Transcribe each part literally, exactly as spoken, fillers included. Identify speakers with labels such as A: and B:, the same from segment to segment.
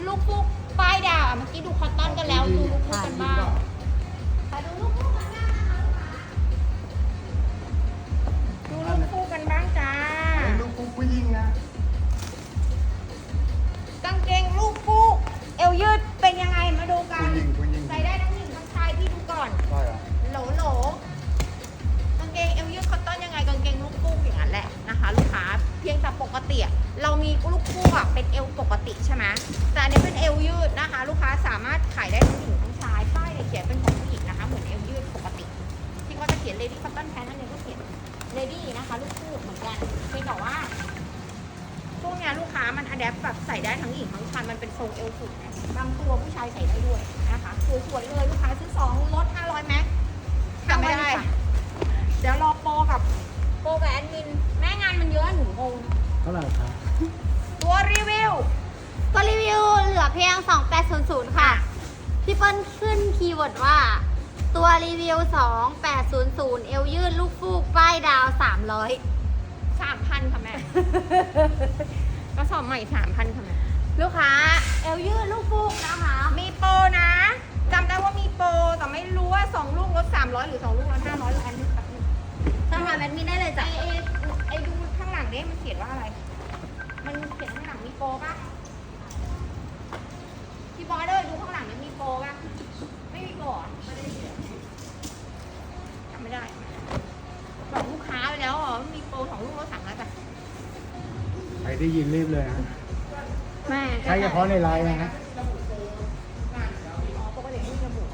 A: ลูกฟูกป้ายดาวเมื่อกี้ดูคอตตอนกันแล้วดูลูกฟูกกันบ้างมาดูลูกฟูกกันบ้างนะคะดูลูกฟูกกันบ้างจ้า
B: ลูกผู้หญิงนะ
A: กางเกงลูกฟูกเอวยืดเป็นยังไงมาดูกัน
B: ผู้หญิงผู้หญิง
A: ใส่ได้ทั้งหญิงทั้งชายพี่ดูก่อน
B: ใช่เหรอ
A: โหลโหลกางเกงเอวยืดคอตตอนยังไงกางเกงลูกฟูกอย่างนั้นแหละนะคะลูกค้าเพียงแต่ปกติเรามีลูกฟูกเป็นเอวปกติใช่ไหมแต่อันนี้เป็นเอวยืดนะคะลูกค้าสามารถขายได้ทั้งหญิงทั้งชายป้ายเขียนเป็นของผู้หญิงนะคะเหมือนเอวยืดปกติที่เขาจะเขียน lady cotton pant นั่นเองก็เขียน lady นะคะลูกฟูกเหมือนกันเพียงแต่ว่าพวกเนี้ยลูกค้ามันอะแดปแบบใส่ได้ทั้งหญิงทั้งชายมันเป็นทรงเอวสูงนะบางตัวผู้ชายใส่ได้ด้วยนะคะสวยๆเลยลูกค้าซื้อสองลดห้าร้อยแม็กทำไม่ได้เดี๋ยวรอโปรกับโปรกับแอดมินแม่งานมันเยอะหนูงง
B: เท่าไหร่ครับ
A: ตัวรีวิว
C: ตัวรีวิวเหลือเพียงสองพันแปดร้อยค่ะพี่เปิ้ลขึ้นคีย์เวิร์ดว่าตัวรีวิวสองพันแปดร้อยเอวยืดลูกฟูกป้ายดาวสามร้อย
A: สามพันค่ะแม่ ก็สอบใหม่สามพันค่ะแม่
C: ลูกค้าเอวยืดลูกฟูกนะคะ
A: มีโปรนะจำได้ว่ามีโปรแต่ไม่รู้ว่าสองลูกลดสามร้อยหรือสองลูกลดห้าร้อยหรืออันนี้ครับ
C: สมัครแอดมินได้เลย
A: ไอ
C: จ้ะ
A: ไอไอดูข้างหลังเนี่ยมันเขียนว่าอะไร มันเขียนข้างหลังมีโปรป่ะพี่บอสเลยดูข้างหลังเนี่ยมีโปรป่ะไม่มีโปรเหรอไม่ได้เขียนจำไม่ได้บอกลูกค้าไปแล้วเหรอมีโปรสองลูกลดสามร้อยป่ะ
B: ใครได้ยินรีบเลยนะ
C: แม่
B: ใช้เฉพาะในไลน์นะ
A: อ๋อปกติไม่มีระบุ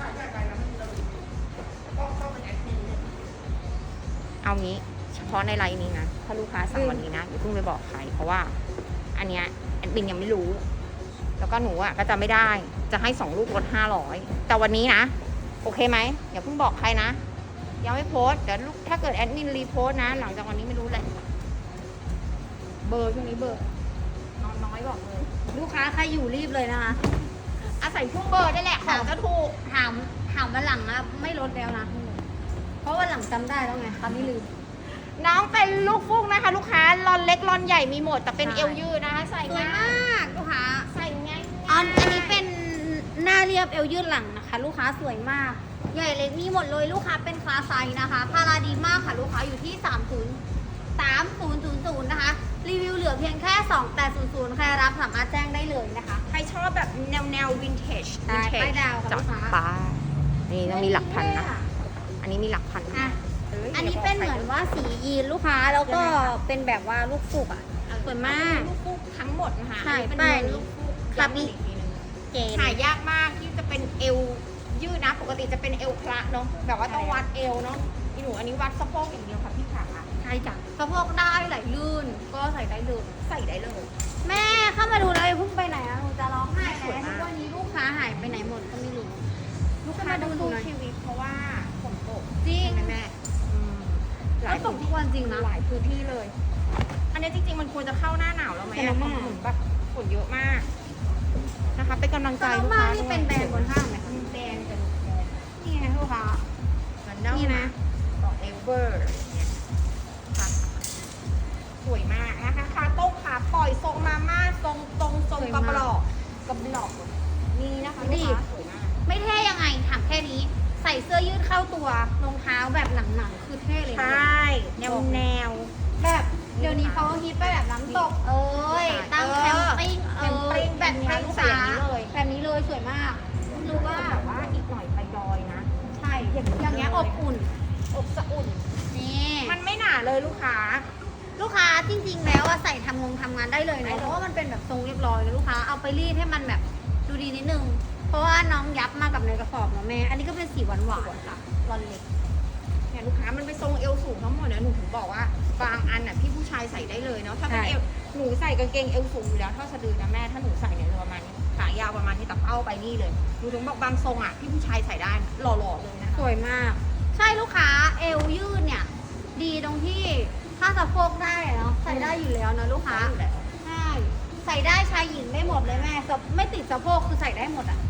A: เอางี้เฉพาะในไลน์นี้นะถ้าลูกค้าสั่งวันนี้นะอย่าเพิ่งไปบอกใครเพราะว่าอันเนี้ยแอดมินยังไม่รู้ แล้วก็หนูอ่ะก็จะไม่ได้จะให้สองลูกลดห้าร้อยแต่วันนี้นะโอเคไหมอย่าเพิ่งบอกใครนะยังไม่โพสต์เดี๋ยวลูกถ้าเกิดแอดมินรีโพสต์นะ หลังจากวันนี้ไม่รู้แหละเบอร์ช่วงนี้เบอร์นอนน้อยบอกเลย
C: ลูกค้าใครอยู่รีบเลยนะคะ
A: อาศัยช่วงเบอร์ได้แหละของจะถูก
C: ถามถามวันหลังนะไม่ลดแล้วนะเพราะวันหลังจำได้แล้วไงคราวนี้ลืม
A: น้องเป็นลูกฟูกนะคะ ลูกค้าลอนเล็กลอนใหญ่มีหมดแต่เป็น
C: ใช่
A: เอวยืดนะคะ ใส่
C: สวย
A: ง่าย
C: มากลูกค้า
A: ใส่ง่าย
C: อันอันนี้เป็นหน้าเรียบเอวยืดหลังนะคะ ลูกค้าสวยมาก ใหญ่เล็กมีหมดเลยลูกค้าเป็นคลาสไซส์นะคะพาราดีมากค่ะลูกค้าอยู่ที่สามศูนย์ สามศูนย์ศูนย์ศูนย์นะคะรีวิวเหลือเพียงแค่สองพันแปดร้อยใครรับสามารถแจ้งได้เลยนะคะ
A: ใครชอบแบบแนวแนววินเทจ
C: ใช่ป้ายดาวค่ะ
A: จับ
C: ลูกค้า
A: ป้ายนี่ต้องมีหลักพันนะ อันนี้มีหลักพัน
C: อ่ะ
A: เย
C: อันนี้เป็นเหมือนว่าสียีนลูกค้าแล้วก็เป็นแบบว่าลูกฟูกอ่ะสวยมาก
A: ลูกฟูกทั้งหมดนะคะ
C: ใช่
A: อันนี้เป็น
C: ป้าย
A: เนื้อลูกฟูก
C: ครับ
A: ย้ำอีกทีนึง
C: เจน
A: หายากมากที่จะเป็นเอวยืดนะ ปกติจะเป็นเอวคละเนาะแบบว่าต้องวัดเอวเนาะอีหนูอันนี้วัดสะโพกอย่างเดียวค่ะพี่ขา
C: ใช่จ้ะสะโพกได้ไหลลื่นก็ใส่ได้เลย
A: ใส่ได้เลย
C: แม่เข้ามาดูแล้วอย่าเพุ่งไปไหนอะหนูจะร้องไห้
A: สวย
C: นะ
A: มาก
C: ทุกวันนี้ลูกค้าหายไปไหนหมดก็ไม่รู้
A: ลูกค้าต้องสู้ชีวิตเพราะว่าฝนตก
C: จริง
A: ใช่ไหมแม่อืมห
C: แล้
A: ลา
C: วย ตกทุกวันจริงนะ
A: หลายพื้นที่เลย อันนี้จริงๆมันควรจะเข้าหน้าหนาวแล้วไหม
C: แต่
A: อะ
C: ละ
A: ฝ
C: มาก
A: นแบบฝนเยอะมากนะคะเป็นกำลังใจ
C: แต่
A: ลูก
C: มา
A: ค้า
C: นี่เป็นแบรนด์บนห้างไหมคะ
A: แบรนด์จะลูกแบรนด์
C: นี่ไงลูกค้า
A: มันเน่า
C: นี่นะ
A: ของเอเวอร์อะไรอย่างเงี้ยค่ะสวยมากนะคะขาโต้งขาปล่อยทรงมาม่าทรงตรงทรงกระบอกกระบอกนี่นะคะลูกค้าสวยมาก
C: ไม่เท่ยังไงถามแค่นี้ ใส่เสื้อยืดเข้าตัวรองเท้าแบบหนังๆคือเท่เลย
A: ใช
C: นะ
A: ่แนวแนว
C: แบบเดี๋ยวนี้เขาฮิตไปแบบน้ำตก เอ้ยตั้งแคมปิ้งเอ
A: แคมปิ้
C: อง แบบนี้
A: แคมปิ้ง
C: ลูก
A: ใส่
C: ค้า
A: อย่างนี้เลย
C: แบบนี้เลยสวยมากรู้ว่า
A: แต่ว่าอีกหน่อยไปดอยนะ
C: ใช่อย่างเงี้ยอบอุ่น
A: อบสะอุ่น
C: นี่
A: มันไม่หนาเลยลูกค้า
C: ลูกค้าจริงๆแล้วอะใส่ทำงงทำงานได้เลย
A: ได้
C: นะ
A: เลย
C: เพราะว่ามันเป็นแบบทรงเรียบร้อยเลยลูกค้าเอาไปรีดให้มันแบบดูดีนิดนึง เพราะว่าน้องยับมากับในกระสอบเนาะแม่อันนี้ก็เป็นสีหวานหวานๆค่ะรอนเล็ก
A: เนี่ยลูกค้ามันไปทรงเอวสูงทั้งหมดเนี่ยหนูถึงบอกว่าบางอันน่ะพี่ผู้ชายใส่ได้เลยเนาะถ้าเป็น
C: ใช่
A: เอวหนูใส่กางเกงเอวสูงอยู่แล้วเท่าสะดือนะแม่ถ้าหนูใส่เนี่ยจะประมาณนี้ขายาวประมาณนี้แต่เป้าไปนี่เลยหนูถึงบอกบางทรงอ่ะพี่ผู้ชายใส่ได้หล่อๆเลยนะคะ
C: สวยมาก ใช่ลูกค้าเอวยืดเนี่ย ดีตรงที่ถ้าสะโพกได้อะเนาะใส่ได้อยู่แล้วนะลูกค้าใช่ใส่ได้ชายหญิงได้หมดเลยแม่สะไม่ติดสะโพกคือใส่ได้หมดอ่ะ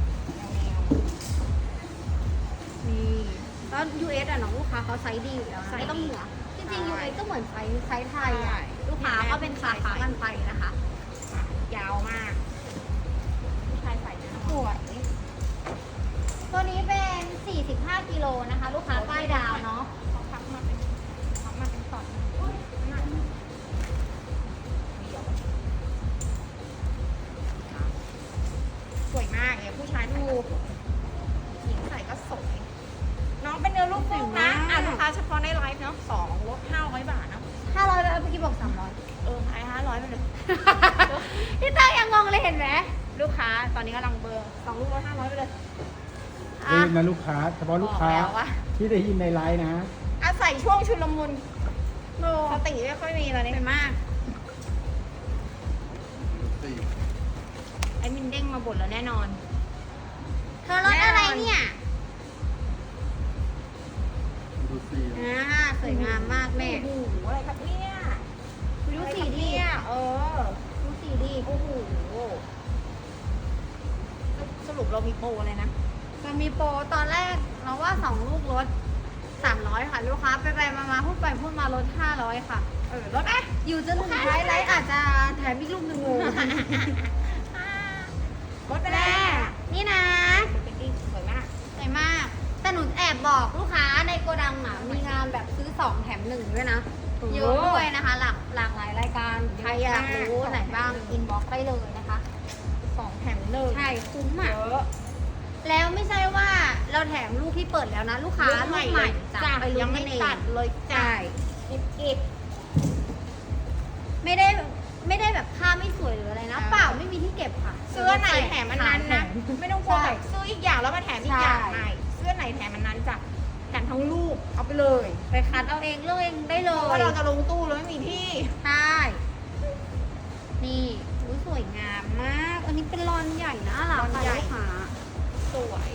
C: นี่แล้ว ยู เอส อ่ะน้องลูกค้าเขาไซส์ดีอยู่แล้วนะไม่ต้องเหนือจริงๆ ยู เอส ก็เหมือนไซส์ไซส์ไทยอ่ะลูกค้าก็เป็นคลาสกันไปนะคะ
A: ยาวมากผู้ชายใส่
C: นะคะ ลูกค้าป้ายดาวเนาะ
A: เขาพับมาเป็นพับมาเป็นตอนอุ๊ยนั่นเดี๋ยวสวยมากเลยผู้ชายดูหญิงใส่ก็สวย น้องเป็นเนื้อลูกฟูกนะอ่ะลูกค้าเฉพาะในไลฟ์เนาะสองลดห้าร้อยบาทเนาะ
C: ห้าร้อยแล้วเมื่อกี้บอกสามร้อย
A: เออขายห้าร้อยไปเลย
C: พี่ตั้งยังงงเลยเห็นไหม
A: ลูกค้าตอนนี้กำลังเบอร์สองลูกลดห้าร้อยไปเลย
B: รีบนะลูกค้า เฉพาะลูกค้า
A: บอกแล้วว่า
B: ที่ได้ยินในไลน์นะ
A: อาศัยช่วงชุลมุน
C: โล
A: สติไม่ค่อยมีตอนนี้
C: สวยมาก
A: ไอ้มินเด้งมาบ่นแล้วแน่นอน
C: เธอรถอะไรเนี่ย
B: ดูสิ
C: อ่าสวยงามมากแม่
A: โอ้โหอะไรครับเนี่ย
C: ดูสีดี
A: เนี่ยเออ
C: ดูสีดี
A: โอ้โหสรุปเรามีโปรอะไรนะ
C: มันมีโปรตอนแรกเราว่าสองลูกลดสามร้อยค่ะ ลูกค้าไปไปมามาพูดไปพูดมาลดห้าร้อยค่ะ
A: เออลดไหม
C: อยู่จนถึงท้ายไลฟ์อาจจะแถมอีกลูกหนึ่งโม
A: ลดไป
C: แม่
A: แล้ว
C: นี่นะ
A: เป็นดีสวยมาก
C: สวยมาก แต่หนูแอบบอกลูกค้าในโกดังอ่ะ มีงานแบบซื้อสองแถมหนึ่งด้วยนะ เยอะด้วยนะคะ หลากหลากหลายรายการ ใครอยากรู้ไหนบ้าง อินบ็อกซ์ได้เลยนะคะ
A: สองแถมหนึ่ง
C: ใช่ คุ้มอ่ะ
A: เยอะ
C: แล้วไม่ใช่ว่าเราแถมลูกที่เปิดแล้วนะ ลูกค้าลูกใหม่จะ
A: จ้ะ
C: ไปลุ้
A: ยัง
C: น
A: ไม่
C: กันเอง
A: ตัดเลยจ้ะ
C: ใช่
A: กิบกิบ
C: ไม่ได้ไม่ได้แบบผ้าไม่สวยหรืออะไรนะ
A: อ่า
C: เปล่าไม่มีที่เก็บค่ะ
A: เสื้อไหนแถมอันนั้นนะ ไม่ต้องกลัว
C: ใช่
A: แบบซื้ออีกอย่างแล้วมาแถมอีกอย่าง
C: ใช่
A: ใหม่เสื้อไหนแถมอันนั้นจ้ะแถมทั้งลูกเอาไปเลย
C: ไปคัดเอาเองเลือกเองได้เล
A: เพราะ
C: ย
A: ว่าเราจะลงตู้แล้วไม่มีที่
C: ใช่ นี่อุ๊ยสวยงามมาก อันนี้เป็นรอนใหญ่นะหลังค่ะลูกค้า
A: สวย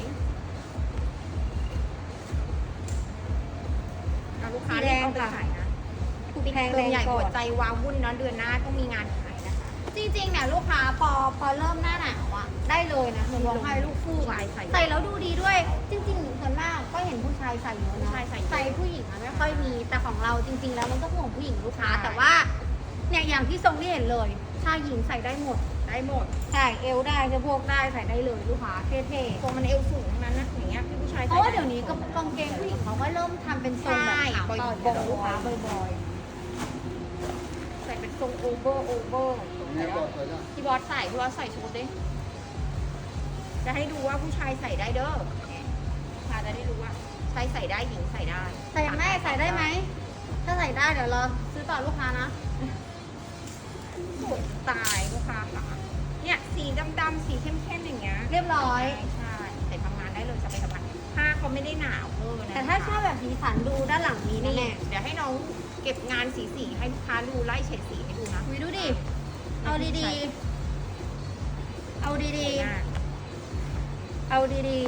A: เอาลูกค้า
C: สีแดง
A: เอาไป
C: ค่ะ
A: ขายนะ
C: ถูกแพง
A: เติ
C: แร
A: ม
C: ง
A: ใหญ่
C: ก่
A: หั
C: อ
A: วน ใจวาวุ่นเนาะเดือนหน้าต้องมีงานขายนะคะ
C: จริงๆเนี่ยลูกค้าพอพอเริ่มหน้าหนาวอะได้เลยนะหนูบอกให้ลูกฟูกอะ
A: ใส่
C: ใส่แล้วดูดีด้วย จริงๆส่วนมากก็เห็นผู้ชายใส่เยอะ
A: ผู้
C: นะ
A: ชายใส่เยอะ
C: ใส่ผู้หญิงอะไม่ค่อยมี แต่ของเราจริง ๆ แล้วมันก็ห่วงผู้หญิงลูกค้า
A: ใช่
C: แต่ว่าเนี่ยอย่างที่ทรงที่เห็นเลยชายหญิงใส่ได้หมด
A: ได้หมด
C: ใส่เอวได้สะโพกได้ใส่ได้เลยลูกค้าเท่
A: ตัวมันเอวสูงทั้งนั้นนะอย่างเงี้ยผู้ชาย
C: ๆเพ
A: ใส่
C: ราะว่าเดี๋ยวนี้กางเกงผู้หญิงเขาก็เริ่มทำเป็นทรงแบบขาวต่อยงลูกค้าบ่อย
A: ใส่เป็นทรงโอเวอร์โอเวอร์พี่บอสใส่พี่บอสใส่ชุดดิจะให้ดูว่าผู้ชายใส่ได้เด้อลูกค้าจะได้รู้ว่าชายใส่ได้หญิงใส่ได้
C: ๆใส่แม่ใส่ได้ไหมถ้าใส่ได้เดี๋ยวรอซื้อต่อลูกค้านะ
A: สวยตายลูกค้าค่ะเนี่ยสีดำๆสีเข้มๆอย่างเงี้ย
C: เรียบร้อย
A: ใช่ใส่ทำงานได้เลยจะไปทำงานผ้าเขาไม่ได้หนาวเออนะ
C: แต่ถ้าชอบแบบสีสันดูด้านหลังนี้
A: นี่
C: แน่
A: เดี๋ยวให้น้องเก็บงานสีสีๆให้ลูกค้าดูไล่เฉดสีให้ดูนะ
C: ๆคุยดูดิ เอาดีๆ เอาดีๆ เอาดี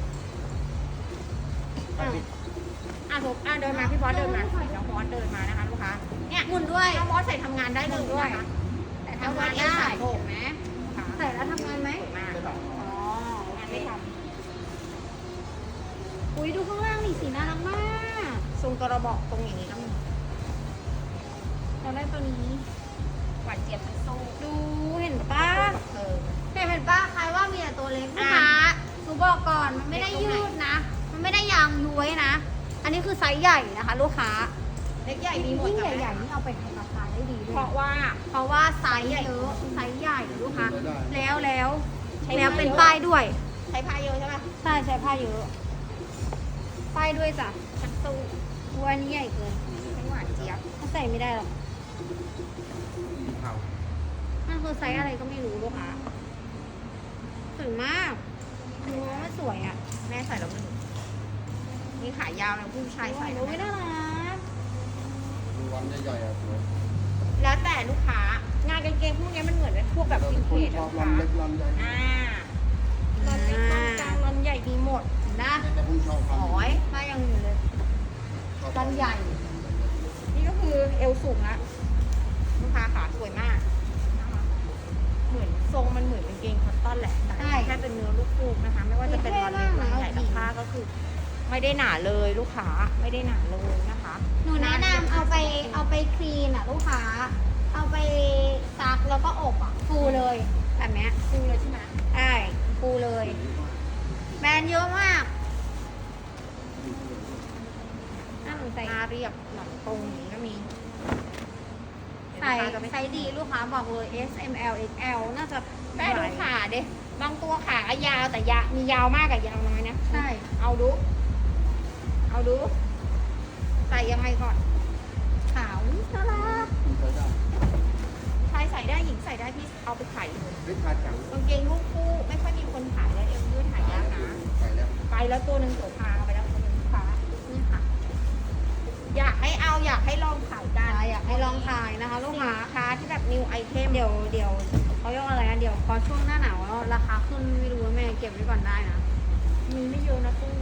C: ๆอ่ะ
A: อ่ะถูกอ่ะเดินมาพี่บอสเดินมาน้องบอสเดินมานะคะลูกค้าเนี่ย
C: หมุนด้วย
A: น้องบอสใส่ทำงานได้เลยนะคะ
C: แต่ทำงานได้
A: ใส่โผมไหม
C: ใส่แล้วทำงานไหม
A: สวยมาก
C: อ๋อ
A: งานไม่ท
C: อุ้ยดูข้างล่างนี่สีน่ารักมาก
A: ำทรงกระบอกตรงอย่างนี้ก็มี
C: เราได้ตัวนี้
A: หวานเจี๊ยบเป็นโซ่
C: ดูเห็นป้า
A: เออ
C: เห็นป้าใครว่ามีแต่ตัวเล็กลูก
A: อ่ะ
C: ค้าหนูบอกก่อนมันไม่ได้ยืดนะ มันไม่ได้ยางย้วยนะ อันนี้คือไซส์ใหญ่นะคะ ลูกค้า
A: เล็กใหญ่มีหมด
C: ยิ่ง
A: จ้ะ
C: ใหญ่ๆนี่เอาไปทำราคาได้ดีด้
A: เพ
C: วย
A: ราะว่า
C: เพราะว่าไซส์เยอะไซส์ใหญ่ลูกค้า
B: ได้
C: แล้วแล้ว
A: ใช้
C: แล้วเป็น
A: ผ้าเยอะ
C: ป้ายด้วย
A: ใช้ผ้าเยอะใช่ปะ
C: ใช่ใช้ผ้าเยอะ ป้ายด้วยจ้ะ
A: ชักตู้
C: ตัวนี้ใหญ่เกิน
A: เป็นหวานเจี๊ยบ
C: ถ้าใส่ไม่ได้หรอก
B: เผา
C: มันคือไซส์อะไรก็ไม่รู้ลูกค้าสวยมากดูว่ามันสวยอ่ะ
A: แม่ใส่แล้วมันนี่ขายาวนะผู้ชายใส่
C: โอ้ยน่ารัก
B: ดูวันใหญ่ๆอ่ะสวย
A: แล้วแต่ลูกค้างานกางเกงพวกนี้มันเหมือนเป็นพวกแบบวินเทจ
B: ช
A: อะ
B: อบ
A: ลูก
B: รัน
A: ค้า
B: เล็กรันใหญ่
A: อ่ารอนเล็กรอนกลางรอนใหญ่มีหมด
C: นะ
B: แต่ผมชอบ
A: อ๋อย
C: ป้ายยังอยู่เลยรันใหญ่
A: นี่ก็คือเอวสูงละลูกค้าขาสวยมากนะคะเหมือนทรงมันเหมือนเป็นเกงคอตตอนแหละแต่
C: ใช่
A: แค่เป็นเนื้อลูกฟูกนะคะ ไม่ว่าจะเป็นรอนเล็กรอนใหญ่แต่ผ้าก็คือ ไม่ได้หนาเลยลูกค้าไม่ได้หนาเลยนะคะ
C: หนูแนะนำเอาไปเอาไปคลีนอ่ะลูกค้า เอาไปซักแล้วก็อบอ่ะฟูเลยแบบเนี้ย
A: ฟูเลยใช่ไหม
C: ใช่ฟูเลย แบรนด์เยอะมาก
B: ด
C: ส่
A: หน้าเรียบหลังตรงอย่างนี้ก็มี
C: ใส่
A: เดี๋ยวลูกค้าจะไม่
C: ไซส์ดีลูกค้าบอกเลย S M L X L น่าจะ
A: แม่ดูขาเด้บางตัวขายาวแต่ยามียาวมากกับยาวน้อยนะ
C: ใช่
A: เอาดู เอาดู ใส่ยังไงก่อน
C: ขาวน่ารัก
B: คุณใช้ได้
A: ชายใส่ได้หญิงใส่ได้พี่เอาไปขายเลย
B: เฮ้ยขาจัง
A: กางเกงลูกคู่ไม่ค่อยมีคนขายแล้วเอวยืดหายากนะ
B: ไปแล้ว
A: ไปแล้วตัวหนึ่งตัวพาไปแล้วตัวหนึ่งลูกค้า
C: นี่ค่ะ
A: อยากให้เอาอยากให้ลองขายกัน
C: อยากให้ลองถ่ายนะคะ ลูก
A: สิ
C: ค้าน
A: ค้าที่แบบนิวไอเทม
C: เดี๋ยวเดี๋ยวเขาเรียกว่าอะไรนะเดี๋ยวพอช่วงหน้าหนาวแล้วราคาขึ้นไม่รู้ว่าแม่เก็บไว้ก่อนได้นะ
A: มีไม่เยอะนะกุ้ง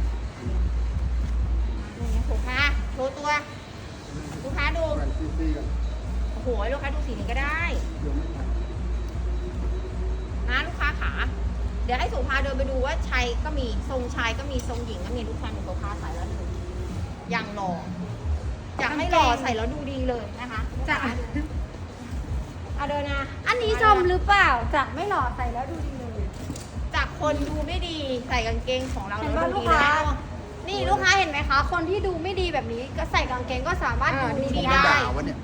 A: นี่ลูกค้าโชว์ตัวลูกค้าดู
B: แบรนด์ซีซีกัน
A: โอ้โหลูกค้าดูสีนี้ก็ได้
B: เดี๋ยวไม่ทัน
A: นะลูกค้าขาเดี๋ยวให้สุภาเดินไปดูว่าชายก็มีทรงชายก็มีทรงหญิงก็มีลูกค้าหนึ่งตัวค้าใส่แล้วดูอย่างหล่ออยากให้หล่อใส่แล้วดูดีเลยนะคะ
C: จะ
A: เอาเดินนะ
C: อันนี้ชมหรือเปล่าจะไม่หล่อใส่แล้วดูดีเลย
A: จากคนดูไม่ดีใส่กางเกงของเรา
C: เห็น
A: แล้ว
C: ป่ะ
A: ดู
C: ลูก
A: ดี
C: ค้า
A: แล้ว
C: นี่ลูกค้าเห็นไหมคะ คนที่ดูไม่ดีแบบนี้ก็ใส่กางเกงก็สามารถ
A: อ่า
C: ดู
A: ดูดี
C: ดี
B: ไม่
C: ได้
B: ด่าวะเนี่ย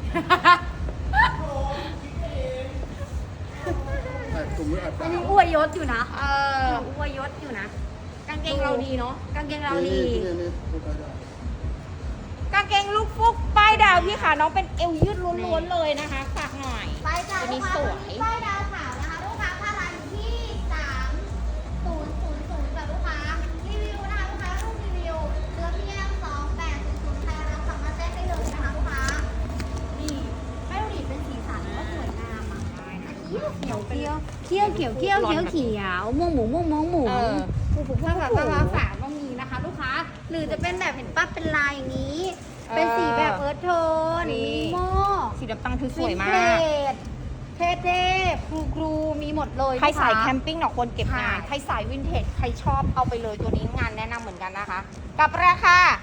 B: แต่กลุ่มนี้อาจจะ
C: อันนี้อวยยศอยู่นะ
A: เออ
C: อวยยศอยู่นะ
A: กางเกงเราดีเนาะ
C: กางเกงเราดี
B: นี่นี่นี่ใช้ได้
A: กางเกงลูกฟุกป้ายดาวพี่ค่ะน้องเป็นเอวยืดล้วนๆเลยนะคะฝากหน่อย
C: ไปจ้า
A: ตัว
C: ลู
A: นี้
C: กค้า
A: ส
C: ตัว
A: วย
C: นี้ป้ายดาวขาวนะคะ ลูกค้าค่าร้านอยู่ที่สามศูนย์ศูนย์ศูนย์จ้ะลูกค้ารีวิวนะคะลูกค้ารูปรีวิวเลือเพียงสองแปดศูนย์ศูนย์ใครรับสามารถแจ้งได้เลยนะคะลูกค้านี่แม่ดูดิเป็นสีสันก็สวยงามอ่ะเขียวเขียวเขียวเขียวเขียวเขียวเขียวเขียวม่วงหมูม่วงม่วงหมู
A: เออ
C: ผูกผูกผ้าแบบผ้าฝาก็มีนะคะ ลูกค้า หรือจะเป็นแบบเห็นป้าเป็นลายอย่างนี้ เป็นสีแบบเอิร์ธโทน
A: นี่
C: มีโม่
A: สีดำตังคือสวยมา
C: วิน
A: ก
C: เทจเท่ๆครูครูๆมีหมดเลย
A: ใครสาย
C: ลูก
A: แค
C: ค้
A: มปิ้งเนาะคนเก็บงาน
C: ใช่
A: ใครสายวินเทจใครชอบเอาไปเลยตัวนี้งานแนะนำเหมือนกันนะคะ กับราคา